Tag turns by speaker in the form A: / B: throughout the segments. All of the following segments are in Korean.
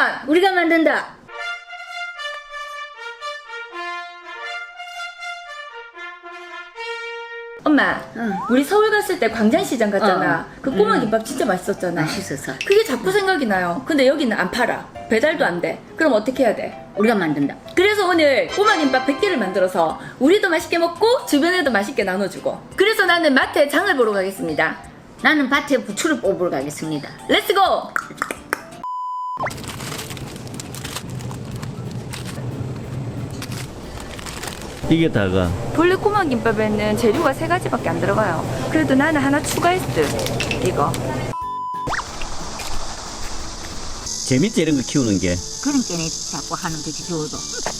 A: 우리가 만든다.
B: 엄마,
A: 응.
B: 우리 서울 갔을 때 광장시장 갔잖아. 그 꼬마
A: 응.
B: 김밥 진짜 맛있었잖아.
A: 맛있어서
B: 그게 자꾸 생각이 나요. 근데 여기는 안 팔아. 배달도 안 돼. 그럼 어떻게 해야 돼?
A: 우리가 만든다.
B: 그래서 오늘 꼬마 김밥 100개를 만들어서 우리도 맛있게 먹고 주변에도 맛있게 나눠주고. 그래서 나는 마트에 장을 보러 가겠습니다.
A: 나는 밭에 부추를 뽑으러 가겠습니다.
B: 렛츠고!
C: 이게 다가
B: 본래 꼬마 김밥에는 재료가 3가지밖에 안 들어가요. 그래도 나는 하나 추가했어. 이거.
C: 재밌지 이런 거 키우는 게.
A: 그런 게네 자꾸 하는 거지 줘도.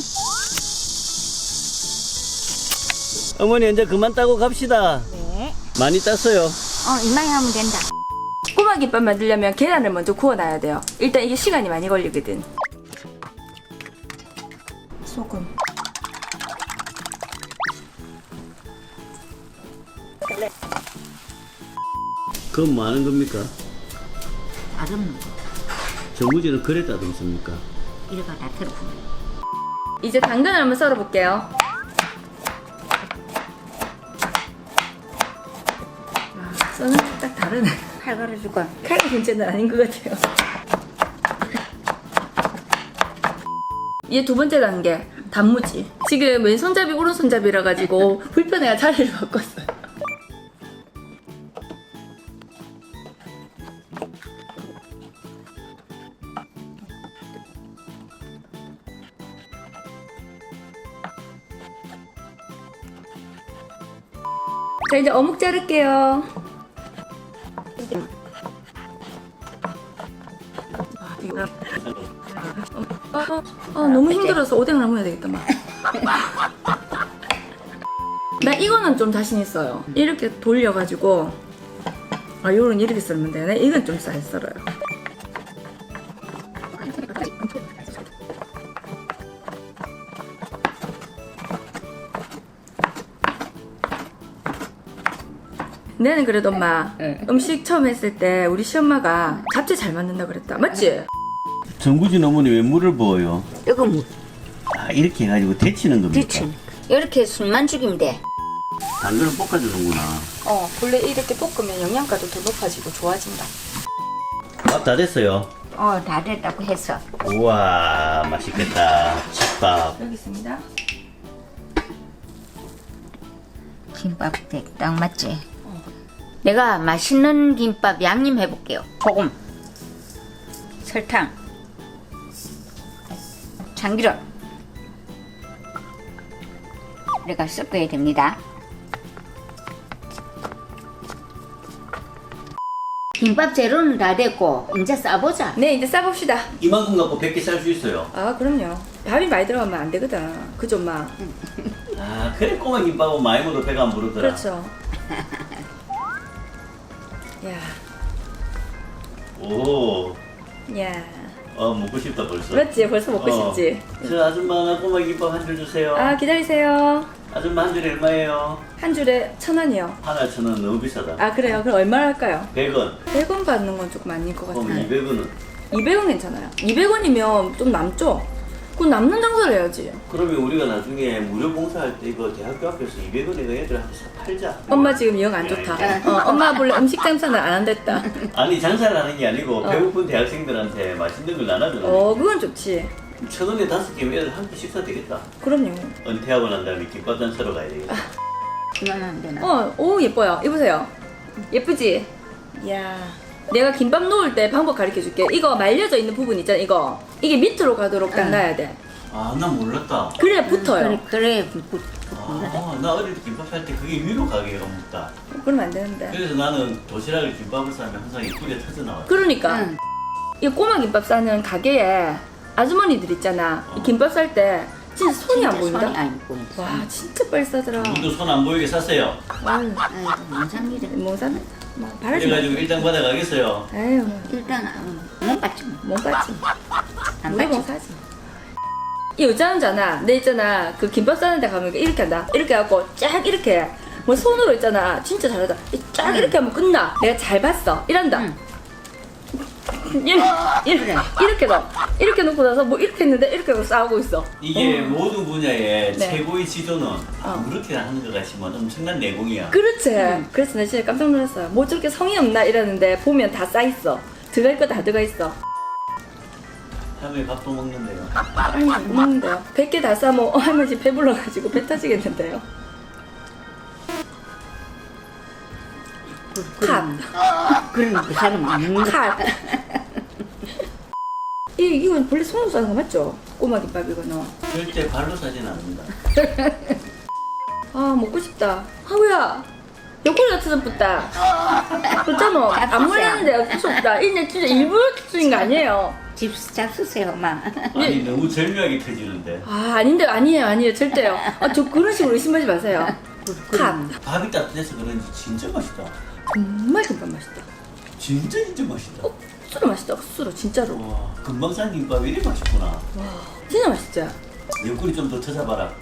C: 어머니 이제 그만 따고 갑시다.
A: 네.
C: 많이 땄어요.
A: 이만히 하면 된다.
B: 꼬마 김밥 만들려면 계란을 먼저 구워놔야 돼요. 일단 이게 시간이 많이 걸리거든. 소금.
C: 그건 뭐 하는 겁니까?
A: 다듬는 거.
C: 정무지는 그래 따듬습니까?
A: 이래가 다 들어보면.
B: 이제 당근을 한번 썰어볼게요. 써는 게 딱 다르네.
A: 칼 갈아줄까?
B: 칼의 문제는 아닌 것 같아요. 이제 두 번째 단계, 단무지. 지금 왼손잡이 오른손잡이라 가지고 불편해가 자리를 바꿨어요. 자, 이제 어묵 자를게요. 너무 힘들어서 오뎅을 해야 되겠다, 막. 나 이거는 좀 자신 있어요. 이렇게 돌려가지고, 요런 이렇게 썰면 되네. 이건 좀 잘 썰어요. 내는 그래도 엄마
A: 네.
B: 음식 처음 했을 때 우리 시엄마가 잡채 잘 만든다 그랬다. 맞지?
C: 정구진 어머니 왜 물을 부어요?
A: 이거 뭐
C: 아 이렇게 해가지고 데치는 겁니까?
A: 뒤치. 이렇게 술만 죽이면 돼.
C: 당근을 볶아주는구나.
B: 원래 이렇게 볶으면 영양가도 더 높아지고 좋아진다.
C: 밥 다 됐어요.
A: 다 됐다고 했어.
C: 우와 맛있겠다. 집밥.
B: 여기 있습니다.
A: 김밥 딱 맞지? 내가 맛있는 김밥 양념 해볼게요. 소금, 설탕, 참기름. 내가 섞어야 됩니다. 김밥 재료는 다 됐고 이제 싸보자.
B: 네, 이제 싸봅시다.
C: 이만큼 갖고 100개 쌀 수 있어요.
B: 아, 그럼요. 밥이 많이 들어가면 안 되거든. 그죠, 엄마?
C: 아 그래 꼬마 김밥은 많이 먹어도 배가 안 부르더라.
B: 그렇죠. 야,
C: 오.
B: 야.
C: 먹고 싶다 벌써.
B: 맞지? 벌써 먹고 싶지?
C: 저 아줌마 하나 꼬마 김밥 한 줄 주세요.
B: 아, 기다리세요.
C: 아줌마 한 줄에 얼마예요?
B: 한 줄에 1,000원이요.
C: 하나 1,000원 너무 비싸다.
B: 아, 그래요? 그럼 얼마나 할까요?
C: 100원.
B: 100원 받는 건 조금 아닐 것
C: 그럼
B: 같아요.
C: 200원은?
B: 200원 괜찮아요. 200원이면 좀 남죠? 그럼 남는 장사를 해야지.
C: 그러면 우리가 나중에 무료 봉사할 때 이거 대학교 앞에서 200원에 그 애들한테 팔자.
B: 엄마 지금 영 안 좋다. 엄마 원래 음식 장사는 안 한댔다.
C: 아니 장사를 하는 게 아니고 배고픈 대학생들한테 맛있는 걸 나눠주는
B: 그건 좋지.
C: 1,000원에 5개면 애들 한 끼 식사 되겠다.
B: 그럼요.
C: 은퇴하고 난 다음에 김밥단 사러 가야 되겠다.
A: 이만 하면 되나?
B: 오, 예뻐요. 입으세요. 예쁘지? 이야. 내가 김밥 놓을 때 방법 가르쳐 줄게. 이거 말려져 있는 부분 있잖아, 이거. 이게 밑으로 가도록 딱 놔야 돼.
C: 아, 난 몰랐다.
B: 그래야 붙어요.
A: 그래.
C: 아, 나 어릴 때 김밥 살 때 그게 위로 가게가 묻다.
B: 그러면 안 되는데.
C: 그래서 나는 도시락을 김밥을 싸면 항상 이 꿀에 터져 나와.
B: 그러니까.
A: 응.
B: 이 꼬마 김밥 싸는 가게에 아주머니들 있잖아. 이 김밥 쌀 때 진짜 손이 안 보인다?
A: 손이 안 보인다.
B: 와, 진짜 빨리 싸더라.
C: 우리도 손 안 보이게 샀어요.
B: 아유,
A: 아이고, 뭔 상일이야.
B: 뭐 사? 뭐 바라지 마.
C: 그래가지고 일당 받아가겠어요.
B: 에휴,
A: 일단 못 받지.
B: 못 받지.
A: 안
B: 우리 뭐
A: 받지.
B: 사지. 이 여자잖아. 내 있잖아. 그 김밥 싸는 데 가면 이렇게 한다. 이렇게 해갖고 쫙 이렇게. 뭐 손으로 있잖아. 진짜 잘하다. 쫙 이렇게 하면 끝나. 내가 잘 봤어. 이란다.
A: 응.
B: 이렇게 놓고 나서 뭐 이렇게 했는데 이렇게 하고 싸우고 있어.
C: 이게 모든 분야의
B: 네.
C: 최고의 지도는 아무렇게 하는 것 같지만 엄청난 내공이야.
B: 그렇지. 그래서 나 진짜 깜짝 놀랐어요. 뭐 저렇게 성의 없나 이러는데 보면 다 쌓있어. 들어갈 거 다 들어가 있어.
C: 할머니 밥도 먹는데요.
B: 할머니 못 먹는데요. 100개 다 싸면 할머니 지금 배불러가지고 배 터지겠는데요. 컷.
A: 그러면 그 사람 안 먹는 거.
B: 컷. 이건 원래 손으로 싸는 거 맞죠? 꼬마 김밥 이거는.
C: 절대 발로 사진 않는다.
B: 아 먹고 싶다. 하우야. 옆구리 같은 붙다. 그렇잖아. 안 몰랐는데 어쩔 수 없다. 이제 진짜 일부러 쓰인 거 아니에요.
A: 잡수세요, 엄마.
C: 아니 너무 절묘하게 펴지는데.
B: 아 아닌데 아니에요 절대요. 저 그런 식으로 의심하지 마세요. 컷.
C: 밥이 따뜻해서 그런지 진짜 맛있다.
B: 정말 김밥 맛있다.
C: 진짜 맛있다.
B: 억수로 맛있다. 억수로 진짜로.
C: 와 금방 산 김밥 이리 맛있구나.
B: 와 진짜 맛있죠.
C: 옆구리 좀 더 찾아봐라.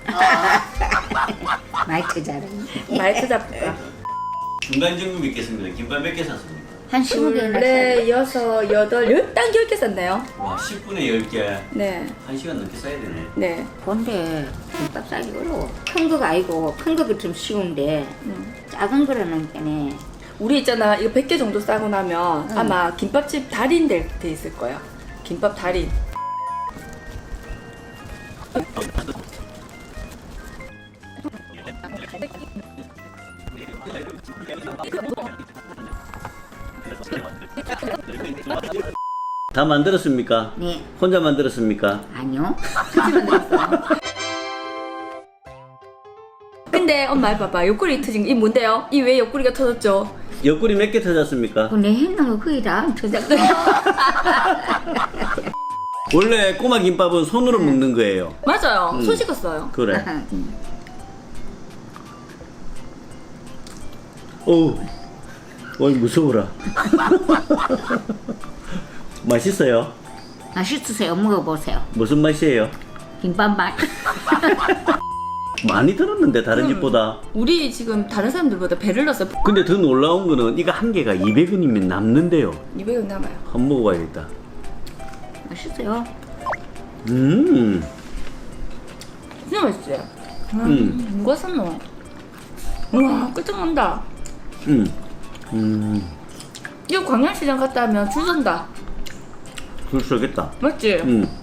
A: 말투 잘해.
B: 말 찾아볼까.
C: 중간 점검 있겠습니다. 김밥 몇 개 샀습니까?
A: 한 20개나
B: 둘레 여섯 여덟 딱 10개 샀나요?
C: 와 10분에 10개.
B: 네.
C: 1시간 넘게 써야 되네.
B: 네.
A: 근데 김밥 싸기 어려워. 큰 거가 아니고 큰 거가 좀 쉬운데 작은 거라는 게네.
B: 우리 있잖아 이거 100개 정도 싸고 나면 아마 김밥집 달인 돼 있을 거야. 김밥 달인.
C: 다 만들었습니까?
A: 네.
C: 혼자 만들었습니까?
A: 아니요.
B: 근데 엄마 봐봐 옆구리 터진 이 뭔데요? 이 왜 옆구리가 터졌죠?
C: 옆구리 몇 개 터졌습니까?
A: 내 했는 거 거의 다 저작도.
C: 원래 꼬마 김밥은 손으로 먹는 거예요.
B: 맞아요. 손 씻었어요.
C: 그래. 어우, 어이 무서워라. 맛있어요?
A: 맛있으세요. 먹어보세요.
C: 무슨 맛이에요?
A: 김밥 맛.
C: 많이 들었는데 다른 집보다.
B: 우리 지금 다른 사람들보다 배를 넣어서
C: 근데 더 놀라운 거는 이거 한 개가 200원이면 남는데요.
B: 200원 남아요.
C: 한번 먹어봐야겠다.
A: 맛있어요.
B: 진짜 맛있지? 누가 샀노? 우와 끝장난다. 이거 광양시장 갔다 하면 줄 선다.
C: 줄 서겠다.
B: 맞지?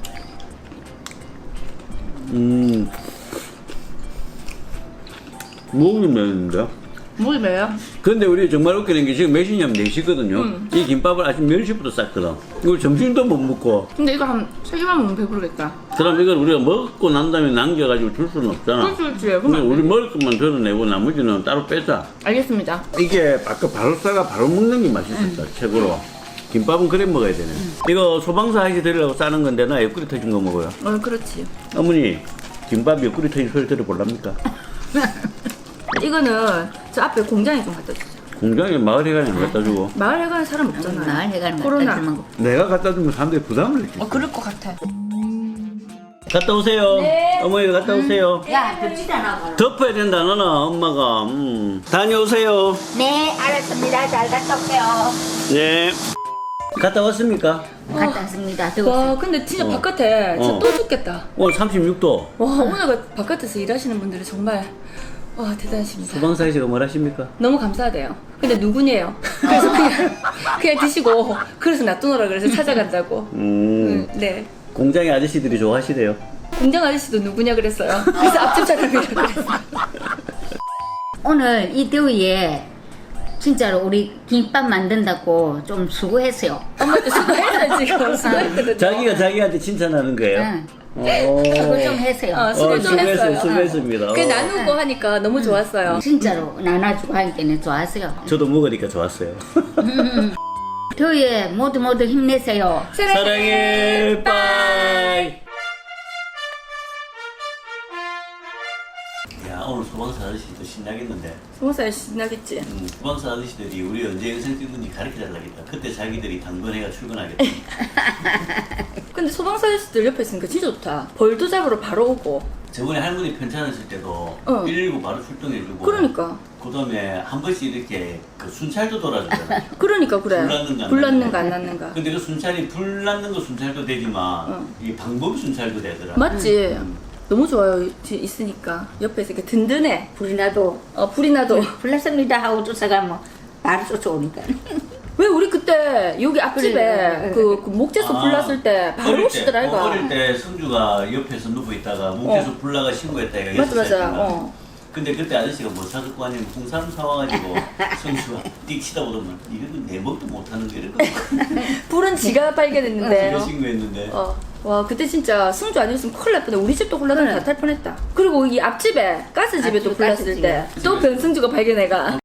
C: 목이 메는데?
B: 목이 매요?
C: 근데 우리 정말 웃기는 게 지금 몇 시냐면 4시거든요. 이 김밥을 아침 10시부터 쌌거든. 이걸 점심도 못 먹고.
B: 근데 이거 한 3개만 먹으면 배부르겠다.
C: 그럼 이걸 우리가 먹고 난 다음에 남겨가지고 줄 수는 없잖아.
B: 그렇지.
C: 근데
B: 그러면
C: 우리 먹을 것만 덜어내고 나머지는 따로 빼자.
B: 알겠습니다.
C: 이게 아까 바로 싸가 바로 먹는 게 맛있었다. 최고로. 김밥은 그래 먹어야 되네. 이거 소방서 하시 드리려고 싸는 건데 나 옆구리 터진 거 먹어요.
B: 그렇지.
C: 어머니 김밥 옆구리 터진 소리 들어볼랍니까?
B: 이거는 저 앞에 공장에 좀 갖다 주세요.
C: 공장에 마을 회관에 갖다 주고
B: 마을에 가는 사람 없잖아요.
A: 나 해가는
B: 코로나.
C: 내가 갖다 주면 사람들이 부담을 느끼지.
B: 그럴 것 같아.
C: 갔다 오세요.
B: 네.
C: 어머니 갔다 오세요.
A: 야, 덥지도 않아.
C: 덮어야 된다 너는 엄마가. 다녀오세요.
A: 네, 알았습니다. 잘 갔다 올게요.
C: 네. 갔다 왔습니까?
A: 갔다 왔습니다. 더웠어요.
B: 와 근데 진짜 바깥에 진짜 또 죽겠다.
C: 오늘 36도.
B: 와 오늘 바깥에서 일하시는 분들이 정말 와 대단하십니다.
C: 소방사에서 뭘 하십니까?
B: 너무 감사하대요. 근데 누구니에요? 그래서 그냥 드시고 그래서 놔두노라 그래서 찾아간다고. 네.
C: 공장의 아저씨들이 좋아하시대요.
B: 공장 아저씨도 누구냐 그랬어요. 그래서 앞집 사람이라 그랬어요.
A: 오늘 이 더위에 진짜로 우리 김밥 만든다고 좀 수고했어요.
B: 엄마도 수고했어요 지금. 수고했거든요.
C: 자기가 자기한테 칭찬하는 거예요?
A: 응.
C: 오.
A: 수고 좀 했어요.
B: 수고 좀 했어요.
C: 수고했습니다.
B: 그 나누고 하니까 너무 좋았어요.
A: 진짜로 나눠주고 하니까 좋았어요.
C: 저도 먹으니까 좋았어요.
A: 더위에 모두 힘내세요.
C: 사랑해. 빠이. 야 오늘 소방사 아저씨도 신나겠는데.
B: 소방사 신나겠지.
C: 소방사 아저씨들이 우리 언제 영상 찍는지 가르쳐달라겠다. 그때 자기들이 당번해가 출근하겠다.
B: 근데 소방사 아저씨들 옆에 있으니까 진짜 좋다. 벌도 잡으러 바로 오고
C: 저번에 할머니 편찮으실 때도
B: 어.
C: 119 바로 출동해주고.
B: 그러니까.
C: 그다음에 한 번씩 이렇게 그 순찰도 돌아주잖아요.
B: 그러니까 그래.
C: 불났는가 안
B: 불났는가
C: 났는가.
B: 안 났는가.
C: 근데 그 순찰이 불 났는 거 순찰도 되지만 이 방법 순찰도 되더라.
B: 맞지? 너무 좋아요. 있으니까. 옆에서 이렇게 든든해.
A: 불이 나도
B: 불이 나도.
A: 불났습니다 하고 쫓아가면 바로 쫓아오니까.
B: 왜 우리 그때 여기 앞집에
A: 그래.
B: 그 목재소 불났을 때 바로 오시더라 이거.
C: 어릴 때 성주가 옆에서 누워 있다가 목재소 불나가 신고했다 이거.
B: 맞아 맞아.
C: 근데 그때 아저씨가 뭐 사줬고 아니면 홍삼 사와가지고 성주가 띡 치다 보더만 이거는 내 뭣도 못하는 게 이랬거든.
B: 불은 지가 발견했는데.
C: 지가 신고했는데.
B: 와 그때 진짜 승주 아니었으면 큰일 날 뻔해. 우리 집도 홀라당 다탈 뻔했다. 그리고 이 앞집에 가스집에 또 불났을 때 또 변승주가 발견해가